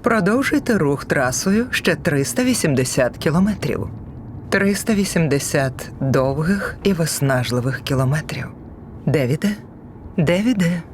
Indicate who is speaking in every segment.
Speaker 1: Продовжуйте рух трасою ще 380 кілометрів. 380 довгих і виснажливих кілометрів. Девіде? Девіде?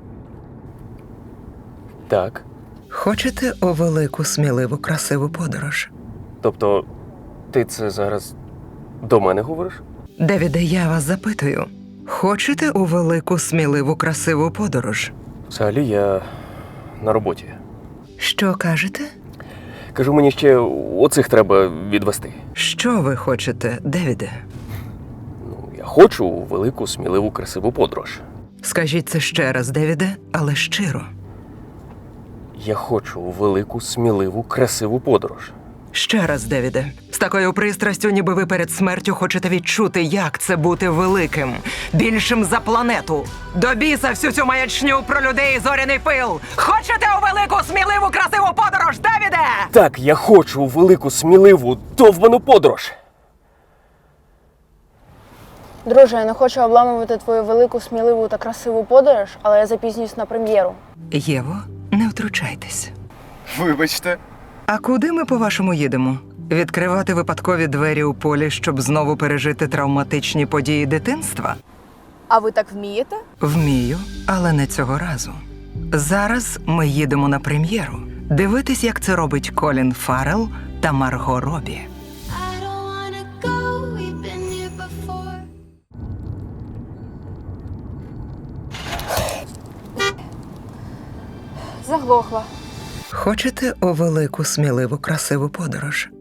Speaker 2: Так.
Speaker 1: Хочете у велику, сміливу, красиву подорож?
Speaker 2: Тобто, ти це зараз до мене говориш?
Speaker 1: Девіде, я вас запитую. Хочете у велику, сміливу, красиву подорож?
Speaker 2: Взагалі, я на роботі.
Speaker 1: Що кажете?
Speaker 2: Кажу, мені ще оцих треба відвести.
Speaker 1: Що ви хочете, Девіде?
Speaker 2: Я хочу у велику, сміливу, красиву подорож.
Speaker 1: Скажіть це ще раз, Девіде, але щиро.
Speaker 2: Я хочу у велику, сміливу, красиву подорож.
Speaker 1: Ще раз, Девіде. З такою пристрастю, ніби ви перед смертю хочете відчути, як це бути великим, більшим за планету. До біса всю цю маячню про людей і зоряний пил. Хочете у велику, сміливу, красиву подорож, Девіде?
Speaker 2: Так, я хочу у велику, сміливу, довбану подорож.
Speaker 3: Друже, я не хочу обламувати твою велику, сміливу та красиву подорож, але я запізнююсь на прем'єру.
Speaker 1: Єво, не втручайтесь.
Speaker 4: Вибачте.
Speaker 1: А куди ми, по-вашому, їдемо? Відкривати випадкові двері у полі, щоб знову пережити травматичні події дитинства?
Speaker 3: А ви так вмієте?
Speaker 1: Вмію, але не цього разу. Зараз ми їдемо на прем'єру. Дивитись, як це робить Колін Фаррелл та Марго Робі.
Speaker 5: I don't wanna go, we've been here before.
Speaker 3: Заглохла.
Speaker 1: Хочете у велику, сміливу, красиву подорож?